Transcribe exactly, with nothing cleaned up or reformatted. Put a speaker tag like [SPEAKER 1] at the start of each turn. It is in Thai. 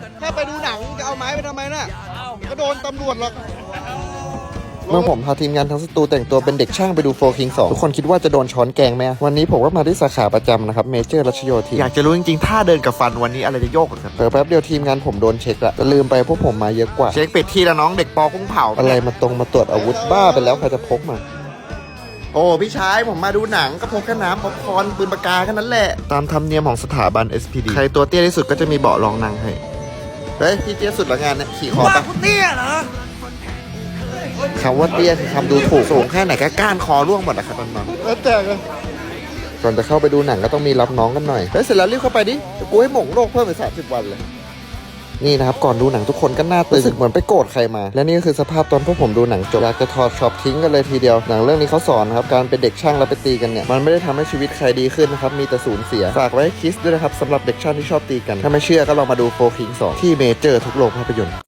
[SPEAKER 1] แค่ไปดูหนังจะเอาไม้ไปทำไมน่ะก็โดนตำรวจหรอก
[SPEAKER 2] เมื่อผมพาทีมงานทั้งสตูแต่งตัวเป็นเด็กช่างไปดูโฟร์คิงสองทุกคนคิดว่าจะโดนช้อนแกงไหมวันนี้ผมก็มาที่สาขาประจำนะครับเมเจอร์รัชโยธินอยากจะรู้จริงๆท่าเดินกับฟันวันนี้อะไรจะโยกกันเผลอแป๊บเดียวทีมงานผมโดนเช็คละแต่ลืมไปพวกผมมาเยอะกว่าเช็คเป็ดที่แล้วน้องเด็กปอกุ้งเผาอะไรมาตรงมาตรวจอาวุธบ้าไปแล้วใครจะพกมาโอ้พี่ชายผมมาดูหนังก็พกแค่น้ำป๊อปคอร์นปืนปากกาแค่นั้นแหละตามธรรมเนียมของสถาบัน เอส พี ดี ใครตัวเตี้ยที่สุดก็จะมีเบาะรองนั่งให้เฮ้ยพี่เตี้ยสุดละงานเนี่ยขี่คอปะเตี้ยเหรอคำว่าเตี้ยคือคำดูถูกสูงแค่ไหนก็ก้านคอร่วงหมดนะครับน้องๆแล้วแต่กันก่อนจะเข้าไปดูหนังก็ต้องมีรับน้องกันหน่อยแล้วเสร็จแล้วรีบเข้าไปดิกูให้หม่งโลกเพิ่มไปสามสิบวันเลยนี่นะครับก่อนดูหนังทุกคนก็หน้าตึงรู้สึกเหมือนไปโกรธใครมาและนี่ก็คือสภาพตอนพวกผมดูหนังจบอยากจะถอดช็อปทิ้งกันเลยทีเดียวหนังเรื่องนี้เขาสอนนะครับการเป็นเด็กช่างแล้วไปตีกันเนี่ยมันไม่ได้ทำให้ชีวิตใครดีขึ้นนะครับมีแต่สูญเสียฝากไว้ให้คิดด้วยนะครับสำหรับเด็กช่างที่ชอบตีกันถ้าไม่เชื่อก็ลองมาดูโฟร์คิงสองที่เมเจอร์ทุกโรงภาพยนตร์